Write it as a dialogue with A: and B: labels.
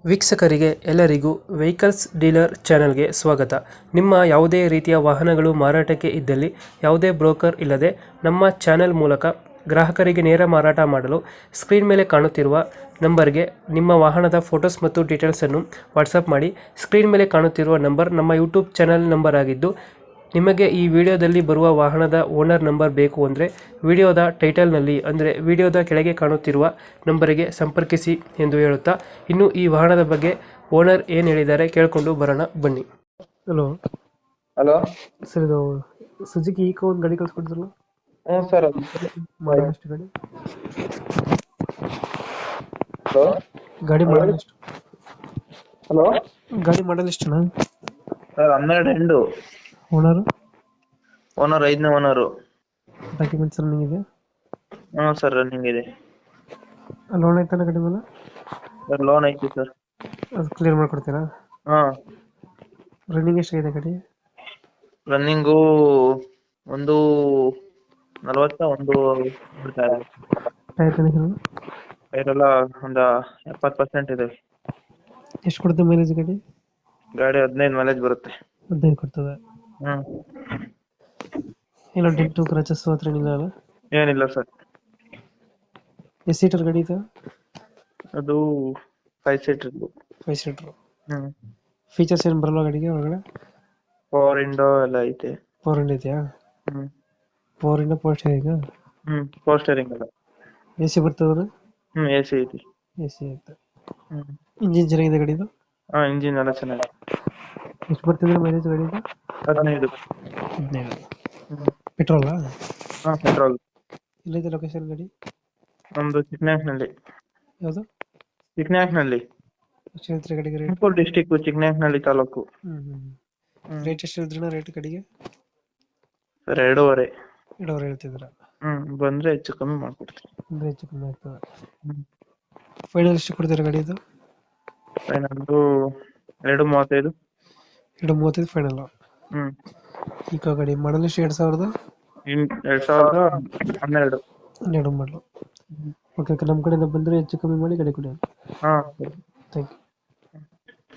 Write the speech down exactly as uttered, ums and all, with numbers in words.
A: ವೀಕ್ಷಕರಿಗೆ ಎಲ್ಲರಿಗೂ vehicles dealer ಚಾನೆಲ್ಗೆ ಸ್ವಾಗತ. ನಿಮ್ಮ ಯಾವುದೇ ರೀತಿಯ ವಾಹನಗಳು ಮಾರಾಟಕ್ಕೆ ಇದ್ದಲ್ಲಿ ಯಾವುದೇ ಬ್ರೋಕರ್ ಇಲ್ಲದೆ ನಮ್ಮ ಚಾನೆಲ್ ಮೂಲಕ ಗ್ರಾಹಕರಿಗೆ ನೇರ ಮಾರಾಟ ಮಾಡಲು ಸ್ಕ್ರೀನ್ ಮೇಲೆ ಕಾಣುತ್ತಿರುವ ನಂಬರ್ಗೆ ನಿಮ್ಮ ವಾಹನದ ಫೋಟೋಸ್ ಮತ್ತು ಡೀಟೇಲ್ಸನ್ನು ವಾಟ್ಸಪ್ ಮಾಡಿ. ಸ್ಕ್ರೀನ್ ಮೇಲೆ ಕಾಣುತ್ತಿರುವ ನಂಬರ್ ನಮ್ಮ ಯೂಟ್ಯೂಬ್ ಚಾನೆಲ್ ನಂಬರ್ ಆಗಿದ್ದು, ನಿಮಗೆ ಈ ವಿಡಿಯೋದಲ್ಲಿ ಬರುವ ವಾಹನದ ಓನರ್ ನಂಬರ್ ಬೇಕು ಅಂದರೆ ವಿಡಿಯೋದ ಟೈಟಲ್ನಲ್ಲಿ ಅಂದರೆ ವಿಡಿಯೋದ ಕೆಳಗೆ ಕಾಣುತ್ತಿರುವ ನಂಬರಿಗೆ ಸಂಪರ್ಕಿಸಿ ಎಂದು ಹೇಳುತ್ತಾ, ಇನ್ನು ಈ ವಾಹನದ ಬಗ್ಗೆ ಓನರ್ ಏನು ಹೇಳಿದ್ದಾರೆ ಕೇಳಿಕೊಂಡು ಬರೋಣ ಬನ್ನಿ. ಹಲೋ
B: ಹಲೋ
A: ಸರ್, ಇದು ಸುಜುಕಿ ಈಕೋ ಒಂದು ಗಾಡಿ ಕಳ್ಸ್ಕೊಡ್ತಿರಲ್ಲ,
B: ಹ್ಞೂ ಸರ್.
A: ಮಾಡಲ್ ಎಷ್ಟು ಗಾಡಿ?
B: ಹಲೋ
A: ಗಾಡಿ ಮಾಡಲ್ ಎಷ್ಟು?
B: ಹಲೋ
A: ಗಾಡಿ ಮಾಡಲ್ ಎಷ್ಟು?
B: ಸರ್ ಹನ್ನೆರಡು ಎಂಡು.
A: ಓನರು
B: ಓನರ್ ಐದನೇ ಓನರು.
A: ಡಾಕ್ಯುಮೆಂಟ್ಸ್ ರನ್ನಿಂಗ್ ಇದೆ?
B: ಹ್ಞೂ ಸರ್ ರನ್ನಿಂಗ್ ಇದೆ.
A: ಲೋನ್ ಐತಲ್ಲ ಗಾಡಿ ಮೇಲೆ?
B: ಸರ್ ಲೋನ್ ಐತಿ ಸರ್.
A: ಅದು ಕ್ಲಿಯರ್ ಮಾಡ್ಕೊಡ್ತೀರಾ?
B: ಹಾಂ
A: ರನ್ನಿಂಗ್ ಎಷ್ಟಾಗಿದೆ ಗಾಡಿ?
B: ರನ್ನಿಂಗು ಒಂದು ನಲ್ವತ್ತ ಒಂದು ಬಿಡ್ತಾರೆ.
A: ಟೈರ್ ಕಂಡೀಷನ್
B: ಟೈರೆಲ್ಲ ಒಂದು ಎಪ್ಪತ್ತು ಪರ್ಸೆಂಟ್ ಇದೆ.
A: ಎಷ್ಟು ಕೊಡುತ್ತೆ ಮೈಲೇಜ್ ಗಾಡಿ?
B: ಗಾಡಿ ಹದಿನೈದು ಮೈಲೇಜ್ ಬರುತ್ತೆ.
A: ಹದಿನೈದು ಕೊಡ್ತದೆ.
B: ಹ್ಞೂ
A: ಇಲ್ಲ ಡೆಂಟು ಕ್ರಚಸ್ ಹತ್ರ ಏನಿಲ್ಲ ಅಲ್ಲ?
B: ಏನಿಲ್ಲ ಸರ್.
A: ಎಷ್ಟು ಸೀಟರ್ ಗಾಡಿ ಇದು?
B: ಅದು ಫೈವ್ ಸೀಟರ್ದು.
A: Five seater.
B: ಹ್ಞೂ
A: ಫೀಚರ್ಸ್ ಏನು ಬರಲ್ಲ ಗಾಡಿಗೆ ಒಳಗಡೆ?
B: ಪವರ್ ವಿಂಡೋ ಎಲ್ಲ ಐತೆ.
A: ಫೋರ್ ಹಂಡ್ ಇದೆಯಾ?
B: ಹ್ಞೂ
A: ಫೋರ್ ಇಂಡ ಫೋರ್ ಸ್ಟೇರಿಂಗ್?
B: ಹ್ಞೂ ಪವರ್ ಸ್ಟೇರಿಂಗ್ ಎಲ್ಲ.
A: ಎ ಸಿ ಬರ್ತದೆ?
B: ಹ್ಞೂ ಎ ಸಿ ಐತಿ.
A: ಎ ಸಿ ಐತೆ.
B: ಹ್ಞೂ
A: ಇಂಜಿನ್ ಚೆನ್ನಾಗಿದೆ ಗಾಡಿದು?
B: ಹಾಂ ಇಂಜಿನ್ ಎಲ್ಲ ಚೆನ್ನಾಗಿದೆ.
A: ಎಷ್ಟು ಬರ್ತಿದ್ರೆ ಮೈಲೇಜ್ ಗಾಡಿದು?
B: ಹದಿನೈದು.
A: ಹದಿನೈದು.
B: ಹ್ಞೂ
A: ಪೆಟ್ರೋಲಾ?
B: ಹಾಂ ಪೆಟ್ರೋಲ್.
A: ಎಲ್ಲಿದೆ ಲೊಕೇಶನ್ ಗಾಡಿ?
B: ನಮ್ಮದು ಚಿಕ್ಕನಾಯಕನಹಳ್ಳಿ.
A: ಯಾವುದು?
B: ಚಿಕ್ಕನಾಯಕನಹಳ್ಳಿ,
A: ಎಷ್ಟು ಹೇಳ್ತೀರಿ ಗಾಡಿಗೆ ರೇಟ್?
B: ತುಮಕೂರು ಡಿಸ್ಟಿಕ್ಕು, ಚಿಕ್ಕನಾಯಕನಹಳ್ಳಿ ತಾಲೂಕು.
A: ಹ್ಞೂ ಹ್ಞೂ
B: ಹ್ಞೂ
A: ರೇಟ್ ಎಷ್ಟು ಹೇಳ್ತೀರಣ್ಣ? ರೇಟ್ ಗಾಡಿಗೆ
B: ಸರ್ ಎರಡೂವರೆ.
A: ಎರಡೂವರೆ ಹೇಳ್ತಿದ್ರ?
B: ಹ್ಞೂ ಬಂದರೆ ಹೆಚ್ಚು ಕಮ್ಮಿ ಮಾಡ್ಕೊಡ್ತೀನಿ.
A: ಅಂದರೆ ಹೆಚ್ಚು ಕಮ್ಮಿ ಆಗ್ತದೆ.
B: ಹ್ಞೂ
A: ಫೈನಲ್ ಎಷ್ಟು ಕೊಡ್ತೀರಾ ಗಾಡಿದು?
B: ಫೈನಲ್ಲು ಎರಡು ಮೂವತ್ತೈದು.
A: ಎರಡು ಮೂವತ್ತೈದು ಫೈನಲ್?
B: ಹ್ಞೂ
A: ಈಗ ಗಾಡಿ ಮಾಡಲ್ ಎಷ್ಟು? ಎರಡು ಸಾವಿರದ
B: ಇನ್ ಎರಡು ಸಾವಿರದ ಹನ್ನೆರಡು.
A: ಹನ್ನೆರಡು ಮಾಡಲು. ಓಕೆ ಓಕೆ, ನಮ್ಮ ಕಡೆಯಿಂದ ಬಂದರೆ ಹೆಚ್ಚು ಕಮ್ಮಿ ಮಾಡಿ ಗಾಡಿ ಕೊಡಿ.
B: ಹಾಂ
A: ಥ್ಯಾಂಕ್ ಯು.